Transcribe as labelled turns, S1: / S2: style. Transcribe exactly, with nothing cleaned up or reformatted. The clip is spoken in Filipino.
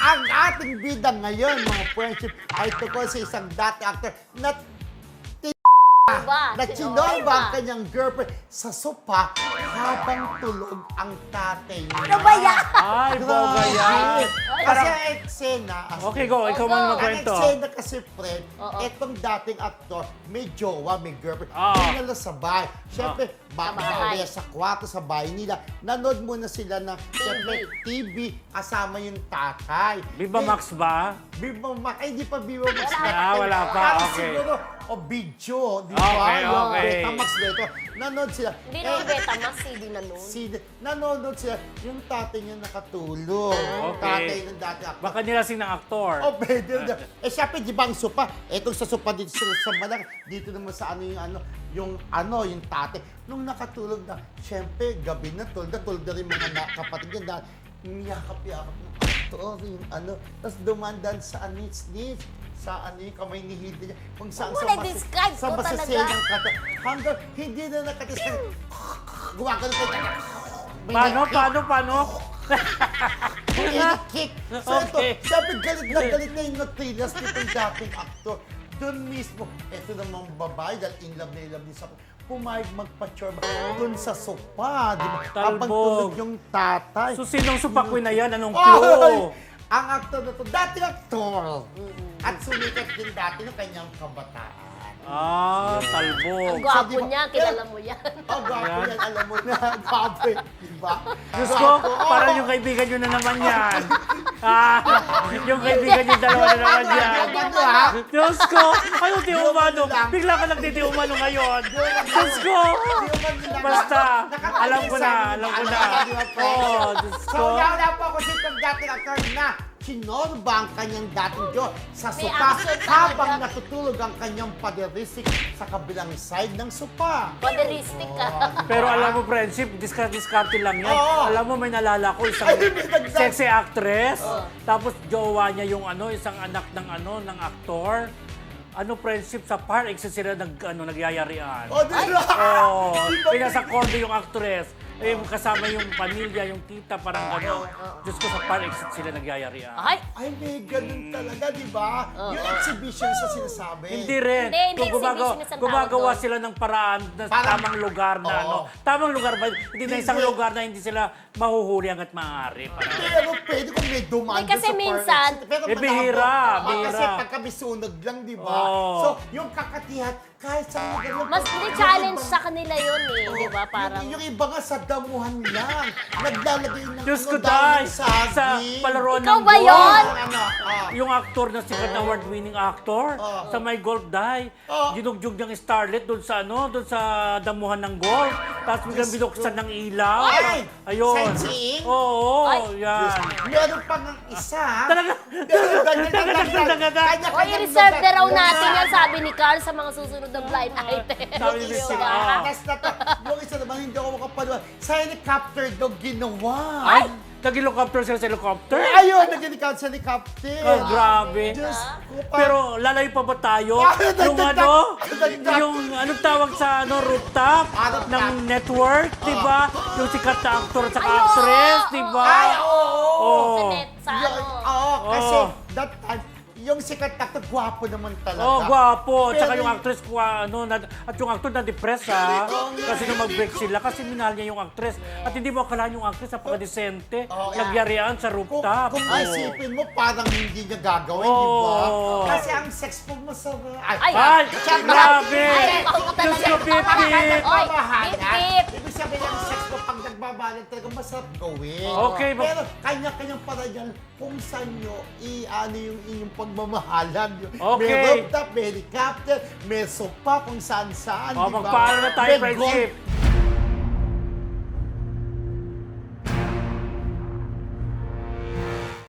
S1: Ang ating bida ngayon, mga friendship, ay tungkol sa isang dati actor na
S2: Ba?
S1: na chinorba ang kanyang girlfriend sa sopa habang tulog ang tatay niya.
S2: Ano ba yan?
S3: Ay, boga yan.
S1: Kasi ang eksena,
S3: Okay, go. Ikaw
S2: Go,
S3: man
S2: go.
S1: ang
S3: magkwento.
S1: eksena kasi, friend,
S2: Oo.
S1: etong dating aktor, may jowa, may girlfriend,
S3: Oo.
S1: dinala sa bahay. Siyempre,
S2: Sa
S1: baka
S2: bahay.
S1: sa kwarto, sa bahay nila, nanood muna sila ng, siyempre, T V, kasama yung tatay.
S3: Viva
S1: Eh,
S3: Max ba?
S1: Viva Max, ay, hindi pa Viva Max.
S2: Wala.
S3: Ah, wala pa,
S1: Kasi
S3: okay.
S1: siguro, o video, di ba?
S3: Okay,
S1: Yung
S3: okay.
S1: Betamax dito. Nanood sila.
S2: Hindi
S1: Eh,
S2: naman Betamax, C D na nun.
S1: Si, nanonood sila, yung tatay niya nakatulog. Yung
S3: Okay.
S1: tatay ng dati actor.
S3: Baka nilasing ng aktor.
S1: Oh, pwede na. Eh, syempre, di ba ang sopa? Etong sa sopa dito sa, sa Malang, dito naman sa ano yung ano, yung ano, yung tatay. Nung nakatulog na, syempre, gabi na, tulog na, tulog na rin mga na, kapatid niya dahil niyakap-yakap ng aktor, yung ano, tapos dumandan sa anits-nits, sa ano yung kamay ni Hilda niya, kung saan
S2: Huwag
S1: sa
S2: mo na-describe
S1: sa
S2: ko talaga.
S1: masaselang kata. Hanggang hindi na nakatis ka, gumagano pa yung may
S3: Paano,
S1: na-kick.
S3: paano, paano?
S1: May na-kick. So
S3: Okay.
S1: ito, sabi galit na galit na yung natrilas nitong dating actor. Doon mismo, ito namang babae, dahil in love na in love din sa pumayag magpa-chorba doon sa sopa, di ba? Habang
S3: Talbog.
S1: tulog yung tatay.
S3: So, sinong supakwi na yan? Anong
S1: Ay!
S3: clue?
S1: Ang aktor na to, dating aktor. At sumikat din dati ng kanyang kabataan.
S3: Ah,
S2: Ang
S3: talbog.
S1: So,
S2: gwapo
S1: di ba-
S2: niya, kilala mo yan.
S1: Oh, gwapo
S3: Yan.
S1: yan, alam mo na. Gwapo yan, di ba?
S3: Diyos ko, parang yung kaibigan nyo na naman yan. Ah, yung kaibigan nyo dalawa na naman yan.
S1: Ano ha?
S3: Diyos ko, ano ti umano?
S1: lang.
S3: Bigla ka nagtiti umano ngayon. Diyos ko. Basta, alam ko na, alam ko na. Oh, Diyos
S1: So,
S3: ko.
S1: wala po ako sitong dating actor na sinorba ang kanyang dating Diyos sa
S2: May
S1: sopa
S2: action
S1: habang
S2: talaga.
S1: natutulog ang kanyang paderisik sa kabilang side ng sopa.
S2: Paderistic ka.
S3: Pero alam mo, friendship, discard-discarte lang yan.
S1: Oo.
S3: Alam mo, may nalala ko isang
S1: Ay, may nagdag-
S3: sexy actress. Tapos jowa niya yung ano, isang anak ng ano, ng aktor. Ano, friendship sa park, isa sila nag, ano, nagyayarian.
S1: O, di ba?
S3: Oo.
S1: Di ba?
S3: Pinasa condo yung actress. Eh, kasama yung pamilya, yung tita, parang gano'n. Diyos ko, sa park exit sila nagyayarian.
S2: Ay,
S1: Ay, may ganun talaga, di ba? Yung exhibition sa sinasabi.
S3: Hindi rin.
S2: Hindi, hindi
S3: Kung gumagawa,
S2: exhibition, isang
S3: gumagawa
S2: tawag doon.
S3: sila ng paraan na
S1: Parang-
S3: tamang lugar na
S1: Oo.
S3: ano. Tamang lugar ba? Hindi na isang
S1: Hindi.
S3: lugar na hindi sila mahuhuli hanggat maaari. Parang,
S1: Pero pwede kung may dumaan
S2: Hindi, kasi
S1: doon sa
S2: minsan-
S1: park exit. Pero
S3: Eh,
S1: malabo.
S3: bihira,
S1: Ah,
S3: bihira.
S1: Kasi pagka may sunog lang, di ba?
S3: Oo.
S1: So, yung kakatihan, kahit sa lugar lang.
S2: mas hindi
S1: yung
S2: challenge
S1: ibang-
S2: sa kanila yun eh,
S1: Oo,
S2: di ba? Parang,
S1: Yung, yung iba nga sa damuhan lang. Naglalagay ng
S3: Diyos
S1: ano,
S3: ko,
S1: dahil
S3: Day!
S1: ng
S3: Sa
S1: saging.
S3: palaruan
S2: Ikaw
S3: ng
S2: ba
S3: golf.
S2: yun?
S1: Ano, ah.
S3: Yung actor na sikat na award-winning actor
S1: Oo.
S3: sa My Golf Die.
S1: Oo.
S3: Ginugjug niyang starlet doon sa ano, doon sa damuhan ng golf. Tapos biglang
S1: Diyos
S3: binuksan
S1: ko.
S3: ng ilaw.
S1: Ay!
S3: Ayun.
S1: Sightseeing?
S3: Oo,
S2: Ay!
S3: yan.
S1: Meron pa ng isa.
S3: Talaga.
S2: o i-reserve na raw natin yan, sabi ni Carl, sa mga susunod na blind item.
S3: Sabi ni
S2: Di
S3: Sir,
S2: ba?
S3: ah.
S1: Tapos na to, yung isa naman hindi ako makapanood. Sa helicopter daw ginawa.
S3: Ay! Nag-helicopter sila sa helicopter?
S1: Ayun, nag-helicopter sa helicopter.
S3: Oh, grabe.
S1: Diyos ko pa.
S3: Pero lalayo pa ba tayo?
S1: Ah,
S3: Yung
S1: dagdag-
S3: ano,
S1: dagdag.
S3: yung anong tawag sa ano, rooftop
S1: Ah, rooftop.
S3: ng network, di ba? Yung sikat na actor at saka
S2: Ay, oo,
S3: actress,
S2: oo,
S3: di ba?
S1: Ay, oo.
S3: Oo.
S2: Sa net, sa
S1: Yung-
S2: ano.
S1: Oo, kasi
S3: Oo.
S1: that time, yung sikat na actor, gwapo naman talaga.
S3: Oh, gwapo. Tsaka
S1: Pero-
S3: yung actress, kwa, ano, na, at yung actor na-depress, ha? Kasi nung mag-break sila, kasi minahal niya yung actress. At hindi mo akalaan yung actress, napaka-decente.
S1: Oh,
S3: Nagyarian sa
S1: Kung,
S3: rooftop.
S1: kung
S3: Oo.
S1: isipin mo, parang hindi niya gagawin, di ba?
S3: Oo.
S1: Kasi ang sex po masarap.
S2: Ay!
S3: Ay,
S1: Tsaka-
S3: grabe!
S2: Ay, ako
S3: Diyos
S2: talaga.
S3: ko, pipip!
S2: Oy,
S1: Pamahalan.
S2: pip-pip.
S1: Ibig sabihin ng sex mo pag nagbabalan talaga masarap gawin.
S3: Okay, ba-
S1: Pero kanya-kanyang paraan kung saan nyo i-ano yung inyong pagmamahalan. Yung
S3: Okay.
S1: May rooftop, may helicopter, may sopa kung saan-saan.
S3: Oh,
S1: di ba?
S3: magpaalam na tayo,
S1: May
S3: friendship.
S1: golf-